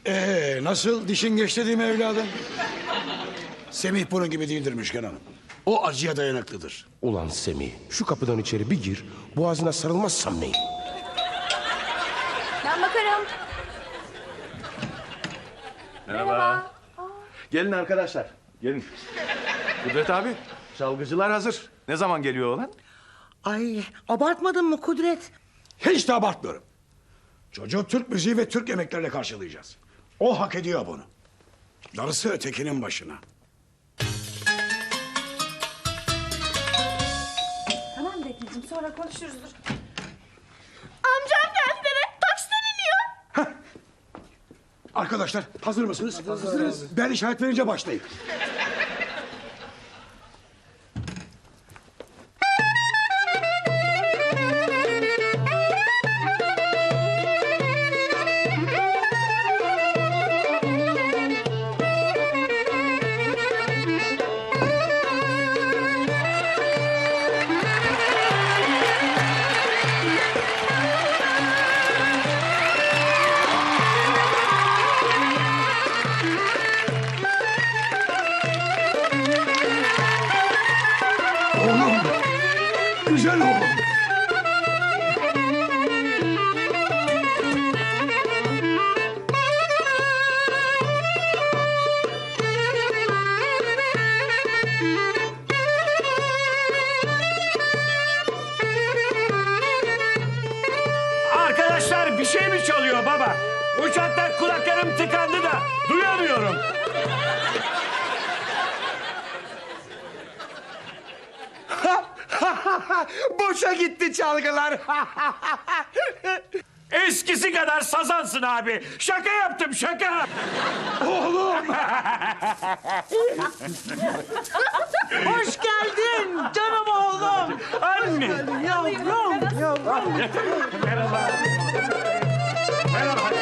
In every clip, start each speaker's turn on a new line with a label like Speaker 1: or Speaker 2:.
Speaker 1: Nasıl dişin geçti değil mi evladım? Semih bunun gibi değildir Müşken Hanım. O acıya dayanıklıdır.
Speaker 2: Ulan Semih, şu kapıdan içeri bir gir, boğazına sarılmazsam neyim?
Speaker 3: Ben bakarım.
Speaker 4: Merhaba. Gelin arkadaşlar, gelin. Kudret abi, çalgıcılar hazır. Ne zaman geliyor oğlan?
Speaker 5: Ay, abartmadın mı Kudret?
Speaker 1: Hiç de abartmıyorum. Çocuğu Türk müziği ve Türk yemeklerle karşılayacağız. O hak ediyor bunu. Darısı ötekinin başına.
Speaker 3: Tamam Defneciğim, sonra konuşuruz. Amcam geldi deme. Taksiden iniyor.
Speaker 1: Arkadaşlar hazır mısınız? Hazırız. Ben işaret verince başlayın. Oğlum, güzel oğlum.
Speaker 6: Arkadaşlar bir şey mi çalıyor baba? Uçakta kulaklarım tıkandı da duyamıyorum.
Speaker 2: Boşa gitti çalgılar.
Speaker 6: Eskisi kadar sazansın abi. Şaka yaptım şaka.
Speaker 5: Hoş geldin canım oğlum.
Speaker 6: Anne.
Speaker 5: Yavrum, yavrum.
Speaker 6: Merhaba. Merhaba.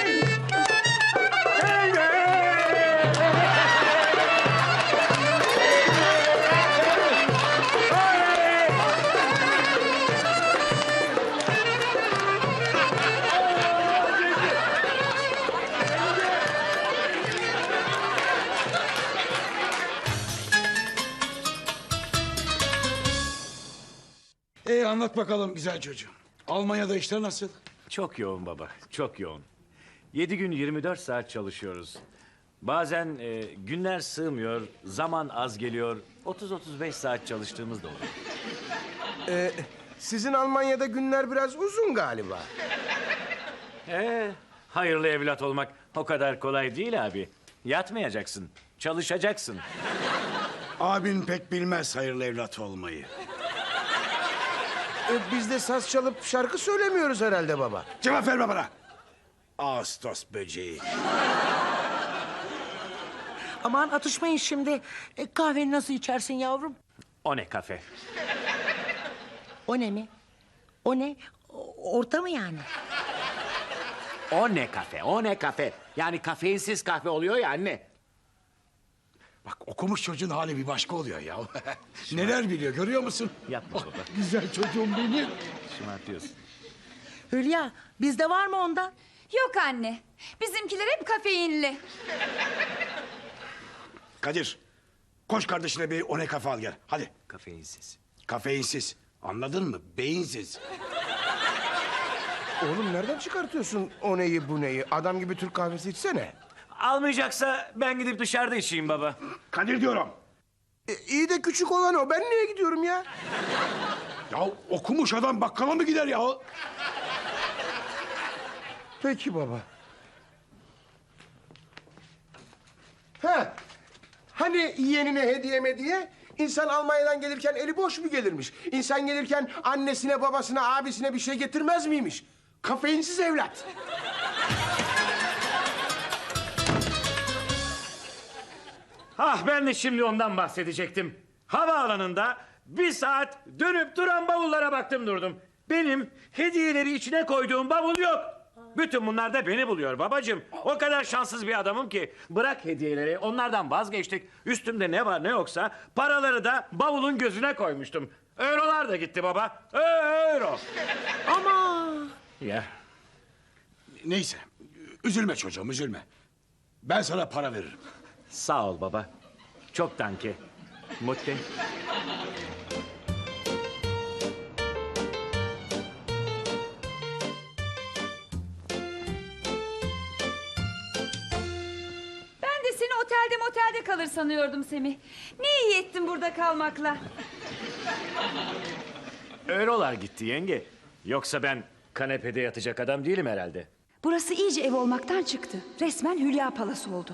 Speaker 1: Anlat bakalım güzel çocuğum. Almanya'da işler nasıl?
Speaker 6: Çok yoğun baba, çok yoğun. 7 gün 24 saat çalışıyoruz. Bazen günler sığmıyor, zaman az geliyor. 30-35 saat çalıştığımız da oluyor.
Speaker 2: Sizin Almanya'da günler biraz uzun galiba.
Speaker 6: Hayırlı evlat olmak o kadar kolay değil abi. Yatmayacaksın, çalışacaksın.
Speaker 1: Abin pek bilmez hayırlı evlat olmayı.
Speaker 2: Biz de saz çalıp şarkı söylemiyoruz herhalde baba.
Speaker 1: Cevap verme bana. Ağustos böceği.
Speaker 5: Aman atışmayın şimdi. Kahveni nasıl içersin yavrum?
Speaker 6: O ne kafe?
Speaker 5: O ne mi? O ne? Orta mı yani?
Speaker 6: O ne kafe, o ne kafe? Yani kafeinsiz kahve oluyor ya anne.
Speaker 1: Bak okumuş çocuğun hali bir başka oluyor ya. Neler biliyor görüyor musun?
Speaker 6: Yapma baba,
Speaker 1: Güzel çocuğum benim.
Speaker 6: şımartıyorsun.
Speaker 5: Hülya, bizde var mı ondan?
Speaker 3: Yok anne. Bizimkiler hep kafeinli.
Speaker 1: Kadir, koş kardeşine bir one kafe al gel. Hadi.
Speaker 6: Kafeinsiz.
Speaker 1: Kafeinsiz. Anladın mı? Beyinsiz.
Speaker 2: Oğlum nereden çıkartıyorsun o neyi bu neyi? Adam gibi Türk kahvesi içsene.
Speaker 6: Almayacaksa ben gidip dışarıda içeyim baba.
Speaker 1: Kadir diyorum.
Speaker 2: İyi de küçük olan o. Ben niye gidiyorum ya?
Speaker 1: Ya okumuş adam bakkala mı gider ya?
Speaker 2: Peki baba. Ha, hani yeğenine hediye mediye? İnsan Almanya'dan gelirken eli boş mu gelirmiş? İnsan gelirken annesine, babasına, abisine bir şey getirmez miymiş? Kafeinsiz evlat.
Speaker 6: Ah ben de şimdi ondan bahsedecektim. Havaalanında bir saat dönüp duran bavullara baktım durdum. Benim hediyeleri içine koyduğum bavul yok. Bütün bunlar da beni buluyor babacığım. O kadar şanssız bir adamım ki. Bırak hediyeleri, onlardan vazgeçtik. Üstümde ne var ne yoksa paraları da bavulun gözüne koymuştum. Eurolar da gitti baba. Euro.
Speaker 5: Ama
Speaker 6: Ya
Speaker 1: Neyse, üzülme çocuğum, üzülme. Ben sana para veririm.
Speaker 6: Sağ ol baba. Çok danke. Mutte.
Speaker 3: Ben de seni motelde kalır sanıyordum Semih. Ne iyi ettin burada kalmakla.
Speaker 6: Eurolar gitti yenge. Yoksa ben kanepede yatacak adam değilim herhalde.
Speaker 3: Burası iyice ev olmaktan çıktı. Resmen Hülya Palası oldu.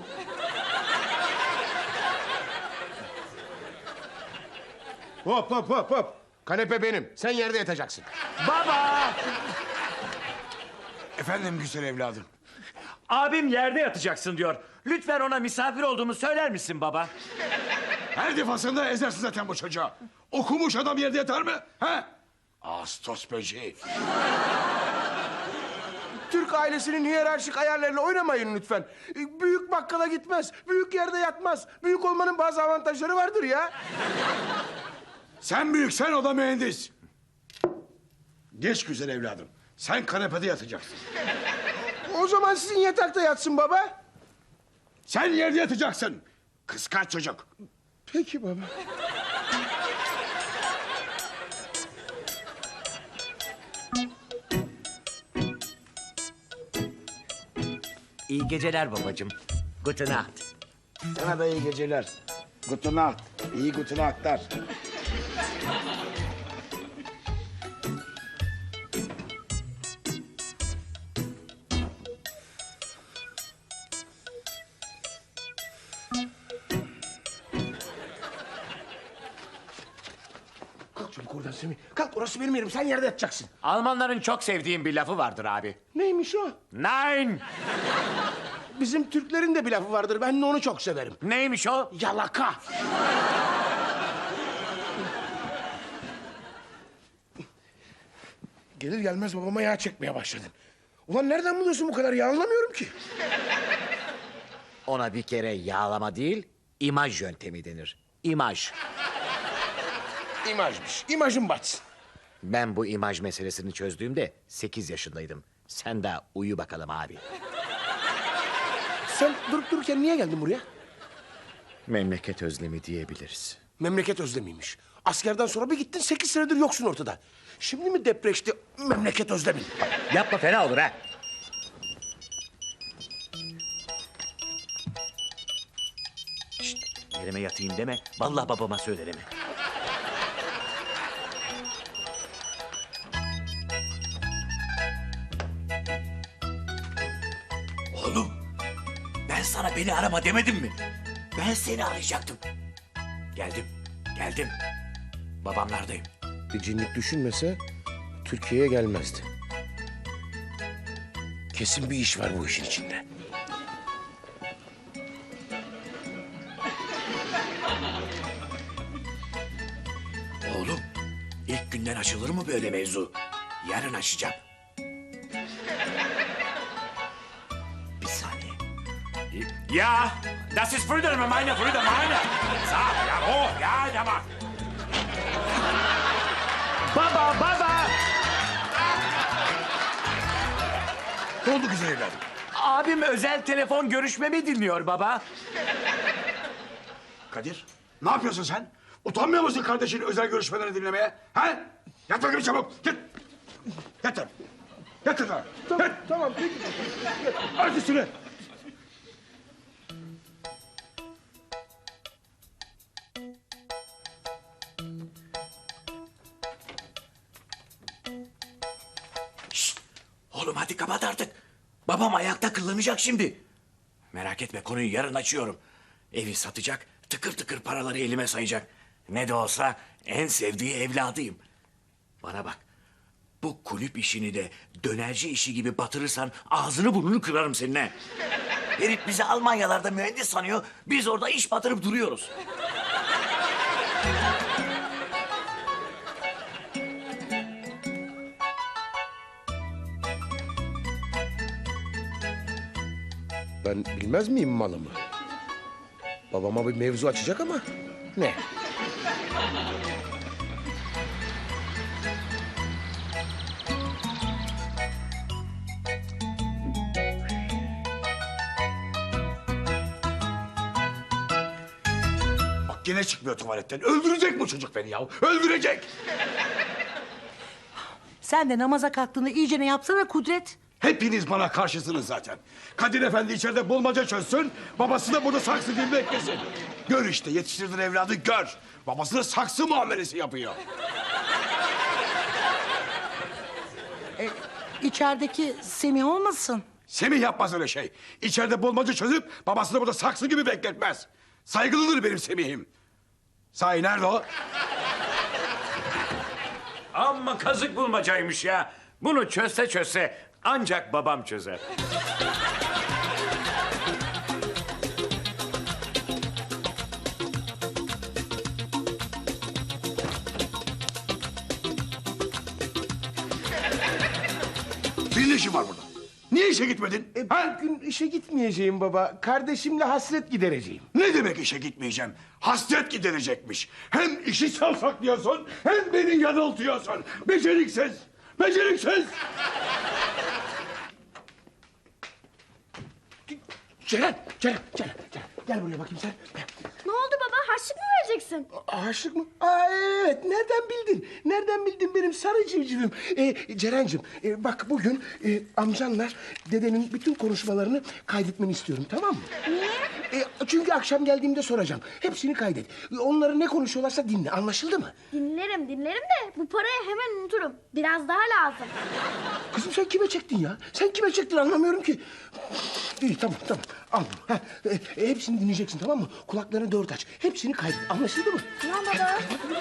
Speaker 2: Hop hop hop hop. Kanepe benim. Sen yerde yatacaksın.
Speaker 6: Baba!
Speaker 1: Efendim güzel evladım.
Speaker 6: Abim yerde yatacaksın diyor. Lütfen ona misafir olduğumu söyler misin baba?
Speaker 1: Her defasında ezersin zaten bu çocuğa. Okumuş adam yerde yatar mı? He? Ağustos böceği.
Speaker 2: Türk ailesinin hiyerarşik ayarlarıyla oynamayın lütfen. Büyük bakkala gitmez. Büyük yerde yatmaz. Büyük olmanın bazı avantajları vardır ya.
Speaker 1: Sen büyüksen o da mühendis. Geç güzel evladım. Sen kanepede yatacaksın.
Speaker 2: O zaman sizin yatakta yatsın baba.
Speaker 1: Sen yerde yatacaksın. Kıskanç çocuk.
Speaker 2: Peki baba.
Speaker 5: İyi geceler babacığım. Gute Nacht.
Speaker 1: Sana da iyi geceler. Gute Nacht. İyi gute Nacht'lar.
Speaker 2: Kalk çabuk oradan Semih. Kalk, orası benim yerim. Sen yerde yatacaksın.
Speaker 6: Almanların çok sevdiğim bir lafı vardır abi.
Speaker 2: Neymiş o?
Speaker 6: Nein!
Speaker 2: Bizim Türklerin de bir lafı vardır. Ben de onu çok severim.
Speaker 6: Neymiş o?
Speaker 2: Yalaka. Gelir gelmez babama yağ çekmeye başladın. Ulan nereden buluyorsun bu kadar yağ, anlamıyorum ki.
Speaker 5: Ona bir kere yağlama değil, imaj yöntemi denir. İmaj.
Speaker 2: İmajmış. İmajım batsın.
Speaker 5: Ben bu imaj meselesini çözdüğümde 8 yaşındaydım. Sen de uyu bakalım abi.
Speaker 2: Sen durup dururken niye geldin buraya?
Speaker 5: Memleket özlemi diyebiliriz.
Speaker 2: Memleket özlemiymiş. Askerden sonra bir gittin, 8 senedir yoksun ortada. Şimdi mi depreşti memleket özlemin?
Speaker 5: Yapma, fena olur ha. Şşt, yerime yatayım deme. Vallahi babama söylerim. Oğlum, ben sana beni arama demedim mi? Ben seni arayacaktım. Geldim. Babamlardayım.
Speaker 2: Bir cinlik düşünmese Türkiye'ye gelmezdi. Kesin bir iş var bu işin içinde.
Speaker 5: Oğlum, ilk günden açılır mı böyle mevzu? Yarın açacağım. Bir saniye.
Speaker 6: Ja, das ist Brüder meine. So, ja, oh, ja, ja, bak. Baba!
Speaker 1: Ne oldu güzel evladım?
Speaker 6: Abim özel telefon görüşmemi dinliyor baba.
Speaker 1: Kadir, ne yapıyorsun sen? Utanmıyor musun kardeşinin özel görüşmelerini dinlemeye? Ha? Yat bakayım çabuk, git. Yat lan. Yat lan.
Speaker 2: Tamam,
Speaker 1: Yat.
Speaker 2: tamam peki.
Speaker 1: Art üstüne.
Speaker 5: Oğlum hadi kapat artık. Babam ayakta kıllanacak şimdi. Merak etme, konuyu yarın açıyorum. Evi satacak, tıkır tıkır paraları elime sayacak. Ne de olsa en sevdiği evladıyım. Bana bak, bu kulüp işini de dönerci işi gibi batırırsan ağzını burnunu kırarım seninle. Herif bizi Almanyalarda mühendis sanıyor, biz orada iş batırıp duruyoruz.
Speaker 2: Ben bilmez miyim malımı? Babama bir mevzu açacak ama ne?
Speaker 1: gene çıkmıyor tuvaletten. Öldürecek bu çocuk beni ya. Öldürecek.
Speaker 7: Sen de namaza kalktığında iyice ne yapsana Kudret.
Speaker 1: Hepiniz bana karşısınız zaten. Kadir Efendi içeride bulmaca çözsün. Babası da burada saksı gibi beklesin. Gör işte yetiştirdin evladı gör. Babasına saksı muamelesi yapıyor.
Speaker 7: İçerideki Semih olmasın?
Speaker 1: Semih yapmaz öyle şey. İçeride bulmaca çözüp babasını burada saksı gibi bekletmez. Saygılıdır benim Semih'im. Sahi nerede o?
Speaker 6: Amma kazık bulmacaymış ya. Bunu çözse ancak babam çözer.
Speaker 1: Senin ne işin var burada? Niye işe gitmedin? Ha?
Speaker 2: Bugün işe gitmeyeceğim baba. Kardeşimle hasret gidereceğim.
Speaker 1: Ne demek işe gitmeyeceğim? Hasret giderecekmiş. Hem işi savsaklıyorsun hem beni yanıltıyorsun. Beceriksiz! Beceriksiz!
Speaker 2: Ceren. Gel buraya bakayım sen.
Speaker 8: Ne oldu baba? Harçlık mı vereceksin?
Speaker 2: Aşık mı? Aa, evet. Nereden bildin benim sarı civcivim? Ceren'cim bak bugün amcanla dedenin bütün konuşmalarını kaydetmeni istiyorum, tamam mı?
Speaker 8: Niye?
Speaker 2: Çünkü akşam geldiğimde soracağım. Hepsini kaydet. Onları ne konuşuyorlarsa dinle, anlaşıldı mı?
Speaker 8: Dinlerim de bu parayı hemen unuturum. Biraz daha lazım.
Speaker 2: Kızım sen kime çektin ya? Sen kime çektin anlamıyorum ki. İyi tamam. Al bunu. Hepsini dinleyeceksin, tamam mı? Kulaklarını dört aç. Hepsini kaydet. Anlaşıldı mı?
Speaker 8: Tamam baba.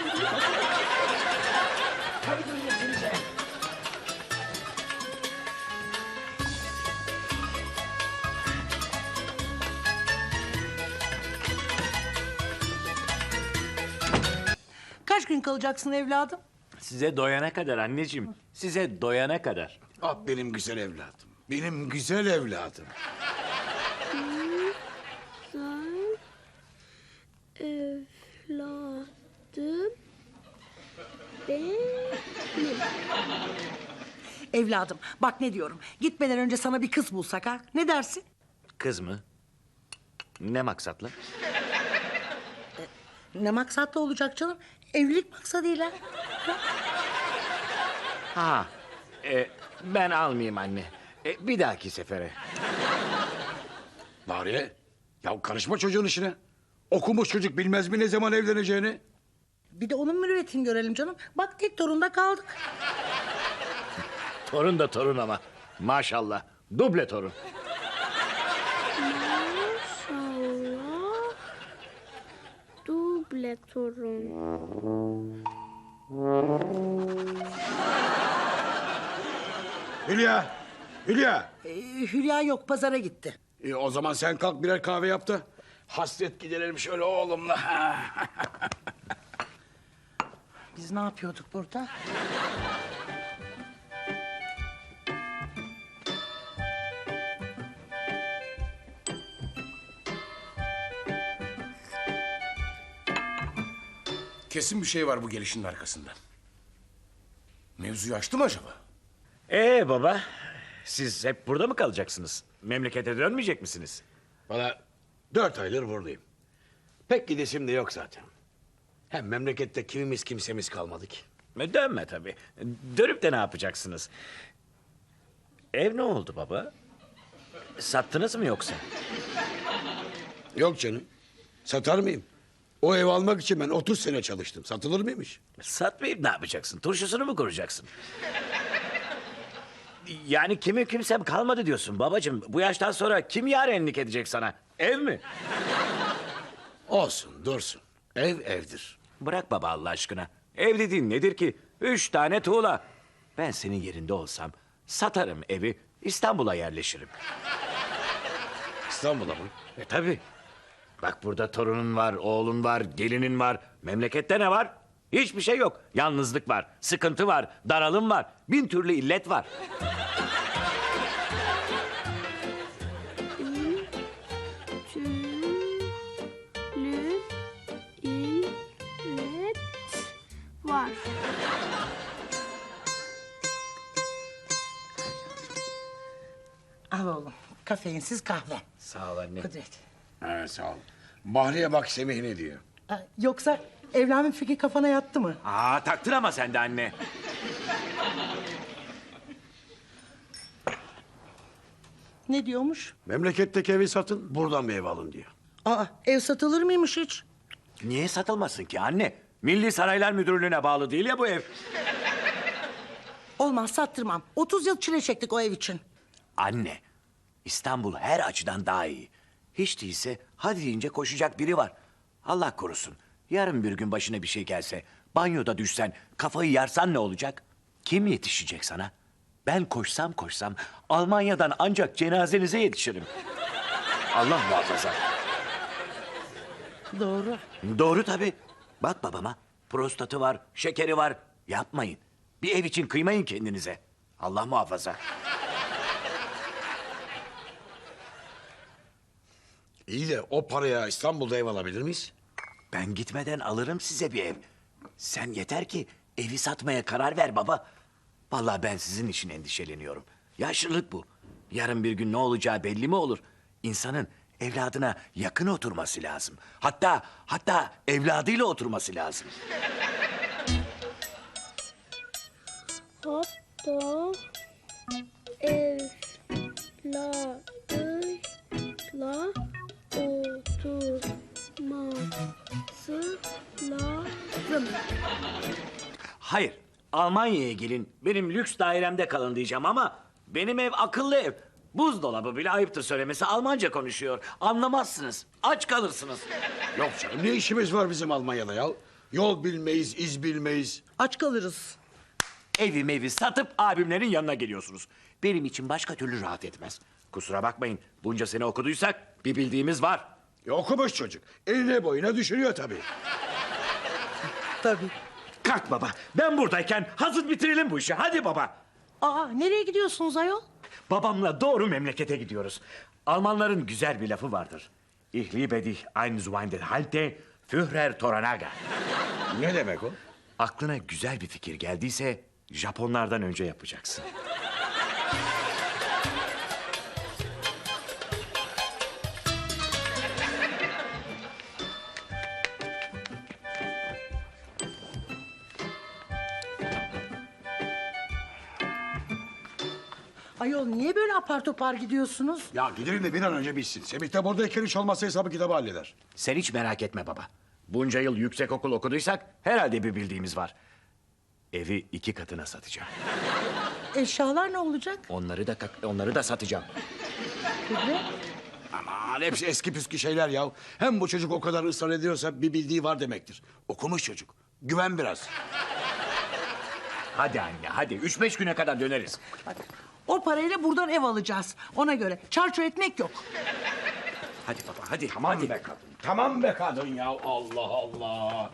Speaker 7: Kaç gün kalacaksın evladım?
Speaker 6: Size doyana kadar anneciğim. Size doyana kadar.
Speaker 1: Ah benim güzel evladım. Benim güzel evladım.
Speaker 8: Evladım benim.
Speaker 7: Evladım bak ne diyorum. Gitmeden önce sana bir kız bulsak ha? Ne dersin?
Speaker 6: Kız mı? Ne maksatla?
Speaker 7: Ne maksatlı olacak canım? Evlilik maksadıyla.
Speaker 6: Ha, ben almayayım anne. Bir dahaki sefere.
Speaker 1: Bariye, ya karışma çocuğun işine. Okumuş çocuk bilmez mi ne zaman evleneceğini?
Speaker 7: Bir de onun mürüvvetini görelim canım. Bak tek torunda kaldık.
Speaker 6: Torun da torun ama. Maşallah. Duble torun.
Speaker 8: Maşallah. Duble torun.
Speaker 1: Hülya.
Speaker 7: Hülya yok pazara gitti.
Speaker 1: O zaman sen kalk birer kahve yap da hasret giderelim şöyle oğlumla.
Speaker 7: Biz ne yapıyorduk burada?
Speaker 2: Kesin bir şey var bu gelişinin arkasında. Mevzuyu açtı mı acaba?
Speaker 6: Baba, siz hep burada mı kalacaksınız? Memlekete dönmeyecek misiniz?
Speaker 1: Valla 4 aydır buradayım. Pek gidesim de yok zaten. Hem memlekette kimimiz kimsemiz kalmadı ki.
Speaker 6: Dönme tabii. Dönüp de ne yapacaksınız? Ev ne oldu baba? Sattınız mı yoksa?
Speaker 1: Yok canım. Satar mıyım? O ev almak için ben 30 sene çalıştım. Satılır mıymış?
Speaker 6: Satmayıp ne yapacaksın? Turşusunu mu kuracaksın? Yani kimi kimsem kalmadı diyorsun babacığım. Bu yaştan sonra kim yarenlik edecek sana? Ev mi?
Speaker 1: Olsun dursun. Ev evdir.
Speaker 6: Bırak baba Allah aşkına. Ev dediğin nedir ki? 3 tane tuğla. Ben senin yerinde olsam satarım evi, İstanbul'a yerleşirim.
Speaker 1: İstanbul'a mı?
Speaker 6: Tabii. Bak burada torunun var, oğlun var, gelinin var. Memlekette ne var? Hiçbir şey yok. Yalnızlık var, sıkıntı var, daralım var. 1000 türlü illet var.
Speaker 8: Türlü illet var.
Speaker 7: Al oğlum kafeinsiz kahve.
Speaker 6: Sağ ol anne.
Speaker 7: Kudret.
Speaker 1: Sağ ol. Bahriye bak Semih ne diyor.
Speaker 7: Yoksa evlenme fikri kafana yattı mı?
Speaker 6: Aa, taktın ama sen de anne.
Speaker 7: Ne diyormuş?
Speaker 1: Memleketteki evi satın, buradan bir ev alın diyor.
Speaker 7: Aa, ev satılır mıymış hiç?
Speaker 6: Niye satılmasın ki anne? Milli Saraylar Müdürlüğü'ne bağlı değil ya bu ev.
Speaker 7: Olmaz, sattırmam. 30 yıl çile çektik o ev için.
Speaker 5: Anne, İstanbul her açıdan daha iyi. Hiç değilse hadi deyince koşacak biri var. Allah korusun. Yarın bir gün başına bir şey gelse, banyoda düşsen, kafayı yarsan ne olacak? Kim yetişecek sana? Ben koşsam Almanya'dan ancak cenazenize yetişirim. Allah muhafaza.
Speaker 7: Doğru.
Speaker 5: Doğru tabii. Bak babama, prostatı var, şekeri var. Yapmayın. Bir ev için kıymayın kendinize. Allah muhafaza.
Speaker 1: İyi de o paraya İstanbul'da ev alabilir miyiz?
Speaker 5: Ben gitmeden alırım size bir ev. Sen yeter ki evi satmaya karar ver baba. Vallahi ben sizin için endişeleniyorum. Yaşlılık bu. Yarın bir gün ne olacağı belli mi olur? İnsanın evladına yakın oturması lazım. Hatta evladıyla oturması lazım.
Speaker 8: Hatta evladıyla oturması lazım.
Speaker 5: Hayır, Almanya'ya gelin, benim lüks dairemde kalın diyeceğim ama benim ev akıllı ev. Buzdolabı bile ayıptır söylemesi Almanca konuşuyor. Anlamazsınız, aç kalırsınız.
Speaker 1: Yok canım, ne işimiz var bizim Almanya'da ya? Yol bilmeyiz, iz bilmeyiz.
Speaker 7: Aç kalırız.
Speaker 5: Evi satıp abimlerin yanına geliyorsunuz. Benim için başka türlü rahat etmez. Kusura bakmayın, bunca sene okuduysak bir bildiğimiz var.
Speaker 1: Okumuş çocuk. Eline boyuna düşünüyor tabii.
Speaker 7: Tabii.
Speaker 6: Kalk baba. Ben buradayken hazır bitirelim bu işi. Hadi baba.
Speaker 7: Aa, nereye gidiyorsunuz ayol?
Speaker 6: Babamla doğru memlekete gidiyoruz. Almanların güzel bir lafı vardır. Ich liebe dich ein Zweindel halte, Führer Toranaga.
Speaker 1: Ne demek o?
Speaker 6: Aklına güzel bir fikir geldiyse Japonlardan önce yapacaksın.
Speaker 7: Ayol niye böyle apar topar gidiyorsunuz?
Speaker 1: Ya gidelim de bir an önce bitsin. Semih de buradayken hiç olmazsa hesabı kitabı halleder.
Speaker 5: Sen hiç merak etme baba.
Speaker 6: Bunca yıl yüksekokul okuduysak herhalde bir bildiğimiz var. Evi 2 katına satacağım.
Speaker 7: Eşyalar ne olacak?
Speaker 5: Onları da satacağım.
Speaker 7: Kudret.
Speaker 1: Aman hepsi eski püskü şeyler ya. Hem bu çocuk o kadar ısrar ediyorsa bir bildiği var demektir. Okumuş çocuk. Güven biraz.
Speaker 6: Hadi anne hadi 3-5 güne kadar döneriz.
Speaker 7: O parayla buradan ev alacağız. Ona göre çarçur etmek yok.
Speaker 5: Hadi baba hadi.
Speaker 1: Tamam be kadın. Tamam be kadın ya. Allah Allah.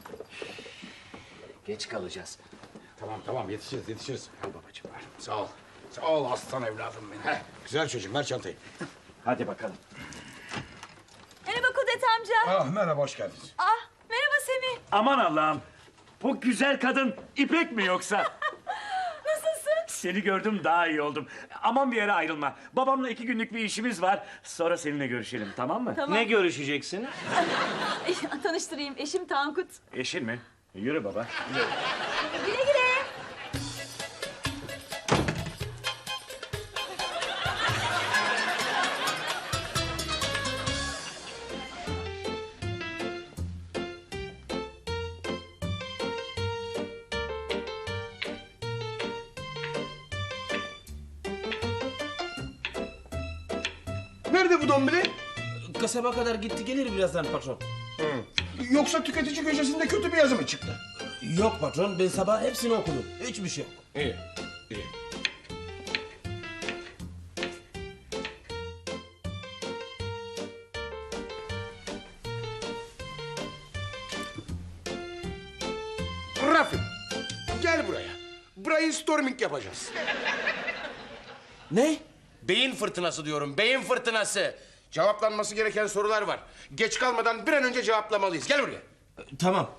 Speaker 5: Geç kalacağız.
Speaker 1: Tamam yetişiriz. Al babacığım ver. Sağ ol. Sağ ol aslan evladım benim. Güzel çocuğum ver çantayı.
Speaker 6: Hadi bakalım.
Speaker 3: Merhaba Kudret amca.
Speaker 1: Ah merhaba hoş geldiniz.
Speaker 3: Ah, merhaba Semih.
Speaker 6: Aman Allah'ım. Bu güzel kadın İpek mi yoksa?
Speaker 3: Nasılsın?
Speaker 6: Seni gördüm daha iyi oldum. Aman bir yere ayrılma. Babamla 2 günlük bir işimiz var. Sonra seninle görüşelim tamam mı?
Speaker 3: Tamam.
Speaker 6: Ne görüşeceksin?
Speaker 3: Tanıştırayım, eşim Tankut.
Speaker 6: Eşin mi? Yürü baba.
Speaker 3: Güle güle.
Speaker 2: Nerede bu dombili?
Speaker 9: Kasaba kadar gitti gelir birazdan patron.
Speaker 2: Yoksa tüketici köşesinde kötü bir yazı mı çıktı?
Speaker 9: Yok patron ben sabah hepsini okudum. Hiçbir şey yok.
Speaker 2: İyi, iyi. Rafi, gel buraya. Brainstorming yapacağız.
Speaker 9: Ne?
Speaker 2: Beyin fırtınası diyorum, beyin fırtınası. Cevaplanması gereken sorular var. Geç kalmadan bir an önce cevaplamalıyız. Gel buraya.
Speaker 9: Tamam.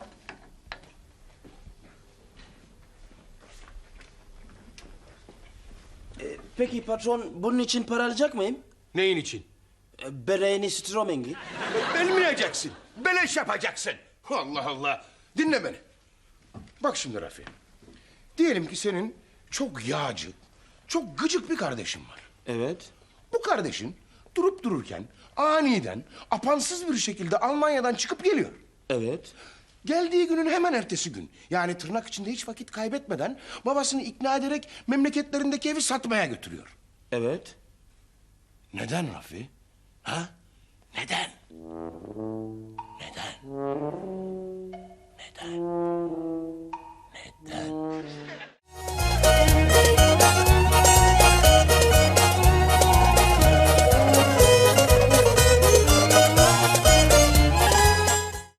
Speaker 9: Peki patron bunun için para alacak mıyım?
Speaker 2: Neyin için?
Speaker 9: Bereğini Stromengi.
Speaker 2: Bilmeyeceksin. Beleş yapacaksın. Allah Allah. Dinle beni. Bak şimdi Rafi. Diyelim ki senin çok yağcı, çok gıcık bir kardeşin var.
Speaker 9: Evet.
Speaker 2: Bu kardeşin durup dururken aniden apansız bir şekilde Almanya'dan çıkıp geliyor.
Speaker 9: Evet.
Speaker 2: Geldiği günün hemen ertesi gün, yani tırnak içinde hiç vakit kaybetmeden babasını ikna ederek memleketlerindeki evi satmaya götürüyor.
Speaker 9: Evet.
Speaker 2: Neden Rafi? Ha? Neden? Neden? Neden?